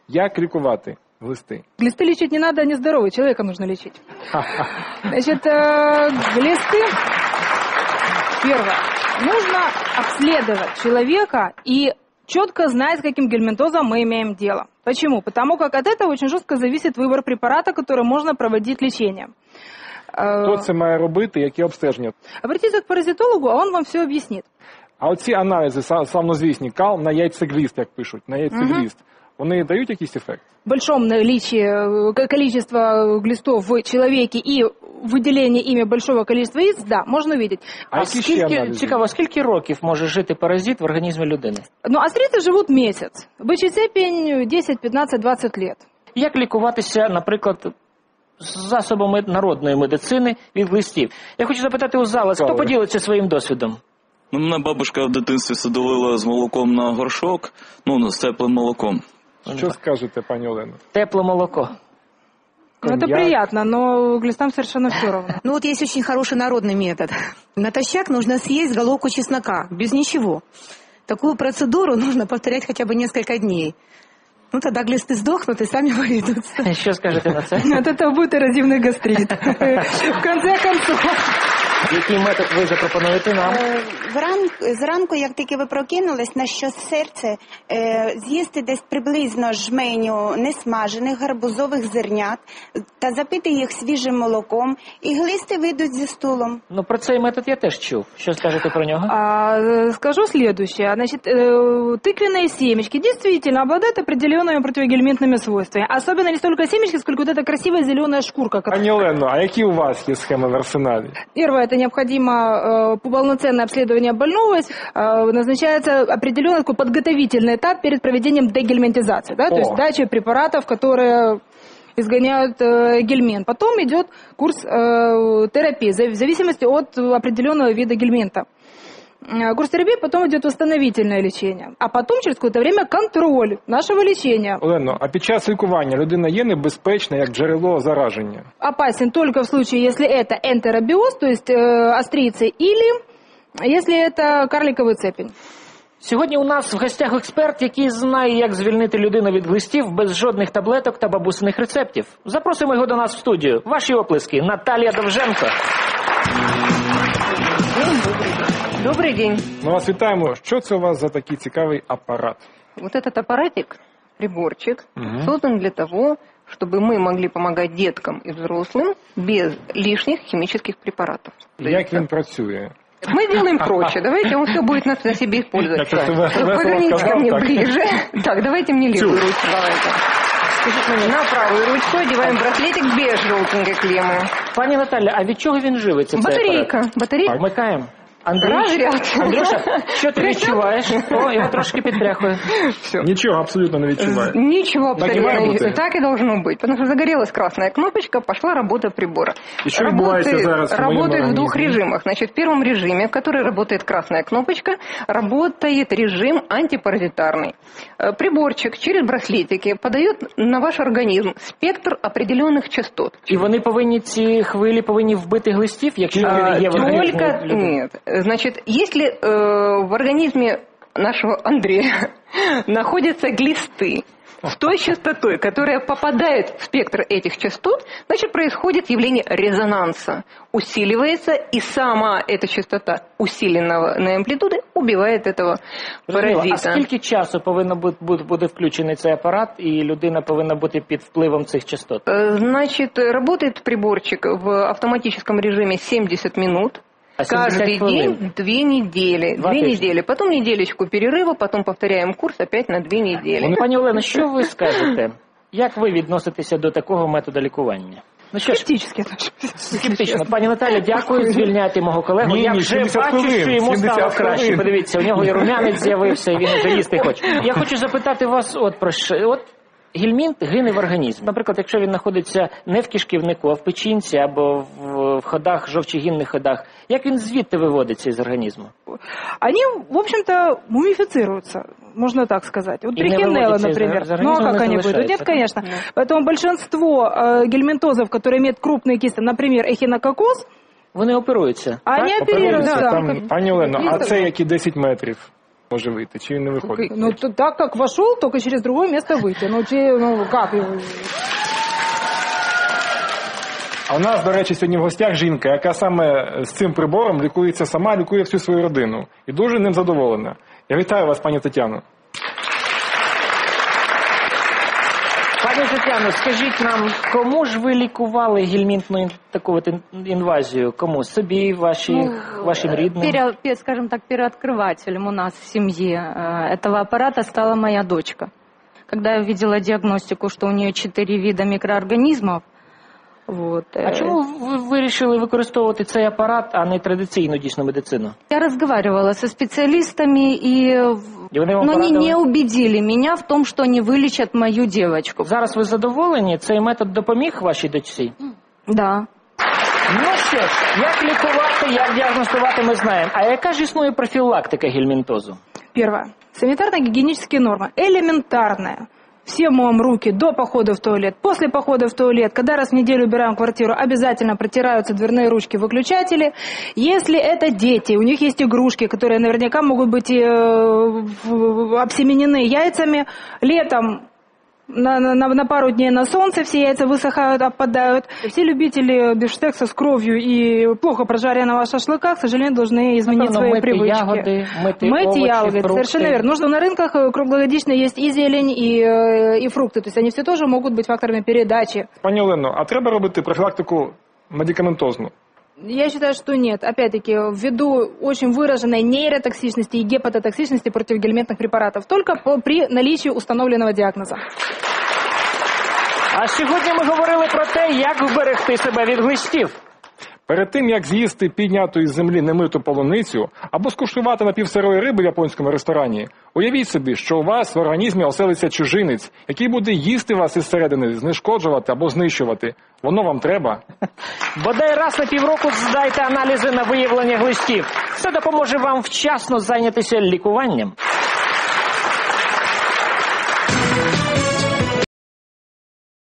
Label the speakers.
Speaker 1: Як лікувати глисти?
Speaker 2: Глисты лечить не надо, они здоровые, человека нужно лечить. Значит, глисты, первое, нужно обследовать человека и четко знать, с каким гельминтозом мы имеем дело. Почему? Потому как от этого очень жестко зависит выбор препарата, который можно проводить лечение.
Speaker 1: Хто це має робити, які обстеження?
Speaker 2: Обратитесь к паразитологу, а он вам все объяснит.
Speaker 1: А оці аналізи, славнозвісні, кал на яйцегліст, як пишуть, на яйцегліст, вони дають якийсь ефект?
Speaker 2: В большом наличии количества глистов в человеке и выделение ими большого количества яиц, да, можно увидеть.
Speaker 3: А скільки років може жити паразит в організмі людини?
Speaker 2: Ну, астриты живут месяц. Высшая степень 10, 15, 20 лет.
Speaker 3: Як лікуватися, наприклад, з засобами народної медицини від глистів? Я хочу запитати у зала, хто поділиться своїм досвідом?
Speaker 4: Ну, мене бабушка в дитинстві садовила з молоком на горшок, з теплим молоком.
Speaker 1: Що скажете, пані Олено?
Speaker 3: Тепле молоко.
Speaker 2: Ну, это приятно, но глистам совершенно все равно.
Speaker 5: Ну вот есть очень хороший народный метод. Натощак нужно съесть головку чеснока, без ничего. Такую процедуру нужно повторять хотя бы несколько дней. Ну тогда глисты сдохнут и сами выведутся.
Speaker 3: Що скажете на це?
Speaker 2: От этого будет эрозивный гастрит. В конце концов.
Speaker 3: Який метод ви запропонуєте нам?
Speaker 6: Зранку, як тільки ви прокинулись, на що серце, з'їсти десь приблизно жменю несмажених гарбузових зернят та запити їх свіжим молоком, і глисти вийдуть зі стулом.
Speaker 3: Ну, про цей метод я теж чув. Що скажете про нього?
Speaker 2: Скажу следующее. Значит, тыквенные семечки действительно обладают определенными противогельминтными свойствами. Особенно не столько семечки, сколько вот эта красивая зеленая шкурка.
Speaker 1: Пані Олено, а які у вас є схеми в арсеналі?
Speaker 2: Первое, это необходимо полноценное обследование больного. Назначается определенный такой подготовительный этап перед проведением дегельминтизации. Да? То есть дача препаратов, которые изгоняют гельминт. Потом идет курс терапии в зависимости от определенного вида гельминта. Курс терапии, потом идет восстановительное лечение. А потом через какое-то время контроль нашего лечения.
Speaker 1: Олено, а під час лікування людина є небезпечна як джерело зараження?
Speaker 2: Опасен только в случае, если это энтеробиоз, то есть острицы, или если это карликовый цепень.
Speaker 3: Сьогодні у нас в гостях експерт, який знає, як звільнити людину від глистів без жодних таблеток та бабусиних рецептів. Запросимо його до нас в студію. Ваші оплески. Наталія Довженко.
Speaker 7: Добрый день.
Speaker 1: Ми вас вітаємо. Що це у вас за такий цікавий апарат?
Speaker 7: Вот этот аппаратик, приборчик, создан для того, чтобы мы могли помогать деткам и взрослым без лишних химических препаратов.
Speaker 1: Як він працює?
Speaker 7: Мы делаем проще. Давайте он все будет на себе использовать. Поверните ко мне ближе. Так, давайте мне левую ручку. Давайте. На правую ручку одеваем браслетик без желтенькой клеммы.
Speaker 3: Пані Наталя, а від чого він живиться?
Speaker 7: Батарейка.
Speaker 3: Батарейка. Вмикаємо. Андрюша, що ти відчуваєш? О, його трошки підтряхує.
Speaker 1: Ничего абсолютно не відчуваю.
Speaker 7: Ничего абсолютно не відчуваю. Так и должно быть. Потому что загорелась красная кнопочка, пошла работа прибора. Работает в двух режимах. Значит, в первом режиме, в который работает красная кнопочка, работает режим антипаразитарный. Приборчик через браслетики подает на ваш организм спектр определенных частот.
Speaker 3: І вони повинні, ці хвилі повинні вбити глистів, якщо є в організмі?
Speaker 7: Нет. Значит, если в организме нашего Андрея находятся глисты с той частотой, которая попадает в спектр этих частот, значит, происходит явление резонанса. Усиливается, и сама эта частота усиленной амплитуды убивает этого паразита.
Speaker 3: А скільки часу повинно бути включений цей апарат, і людина повинна бути під впливом цих частот?
Speaker 7: Значит, работает приборчик в автоматическом режиме 70 минут. Каждый день 2 недели. 2 недели. Потом неделечку перерыва, потом повторяем курс опять на 2 недели.
Speaker 3: Пані Олено, що ви скажете? Як ви відноситеся до такого методу лікування? Ну що ж, скептично. Пані Наталя, дякую, звільняйте мого колегу. Я вже бачу, що йому стало краще. Подивіться, у нього і рум'янець з'явився, і він вже їсти хоче. Я хочу запитати вас от про що. Гельмінт гине в організм. Наприклад, якщо він знаходиться не в кишківнику, а в печінці або в ходах, жовчогінних ходах, як він звідти виводиться из организма?
Speaker 2: Они, в общем-то, мумифицируются, можно так сказать. Вот трихинелла, например. Ну а как они выйдут? Нет, конечно. Поэтому большинство гельминтозов, которые имеют крупные кисты, например, эхинококоз,
Speaker 3: вони оперуються.
Speaker 2: Они оперируются.
Speaker 1: Пані Олено, а це які 10 метрів? може вийти, чи він не виходить?
Speaker 2: Ну, так как вошел, только через другое место выйти. Ну, как?
Speaker 1: А у нас, до речі, сьогодні в гостях жінка, яка саме з цим прибором лікується сама, лікує всю свою родину. І дуже ним задоволена. Я вітаю вас, пані Тетяно.
Speaker 3: Пані Тетяно, скажіть нам, кому ж ви лікували гельмінтну таку інвазію? Кому? Собі, вашим рідним?
Speaker 8: Скажем так, первооткрывателем у нас в семье этого аппарата стала моя дочка. Когда я увидела диагностику, что у нее 4 вида микроорганизмов. Вот.
Speaker 3: А чому ви вирішили використовувати цей апарат, а не традиційну дійсну медицину?
Speaker 8: Я разговаривала со специалистами, но они не убедили меня в том, что они вылечат мою девочку.
Speaker 3: Зараз ви задоволені? Цей метод допоміг вашій дочці?
Speaker 8: Да.
Speaker 3: Ну що ж, як лікувати, як діагностувати, ми знаємо. А яка ж існує профілактика гельмінтозу?
Speaker 2: Первое. Санитарно-гигиенические нормы. Элементарная. Все моем руки до похода в туалет, после похода в туалет, когда раз в неделю убираем квартиру, обязательно протираются дверные ручки, выключатели. Если это дети, у них есть игрушки, которые наверняка могут быть обсеменены яйцами, летом на пару дней на солнце все яйца высыхают, опадают. Все любители бифштекса с кровью и плохо прожаренного шашлыка, к сожалению, должны изменить свои привычки. Мыть ягоды, совершенно верно. Нужно на рынках круглогодично есть и зелень, и фрукты. То есть они все тоже могут быть факторами передачи.
Speaker 1: Пані Олено, а треба робити профілактику медикаментозну?
Speaker 2: Я считаю, что нет. Опять-таки, ввиду очень выраженной нейротоксичности и гепатотоксичности против гельминтных препаратов. Только при наличии установленного диагноза.
Speaker 3: А сьогодні ми говорили про те, як вберегти себе від глистів.
Speaker 1: Перед тим, як з'їсти підняту із землі немиту полуницю або скуштувати напівсирої риби в японському ресторані, уявіть собі, що у вас в організмі оселиться чужинець, який буде їсти вас із середини, знешкоджувати або знищувати. Воно вам треба?
Speaker 3: Бодай раз на півроку здайте аналізи на виявлення глистів. Це допоможе вам вчасно зайнятися лікуванням.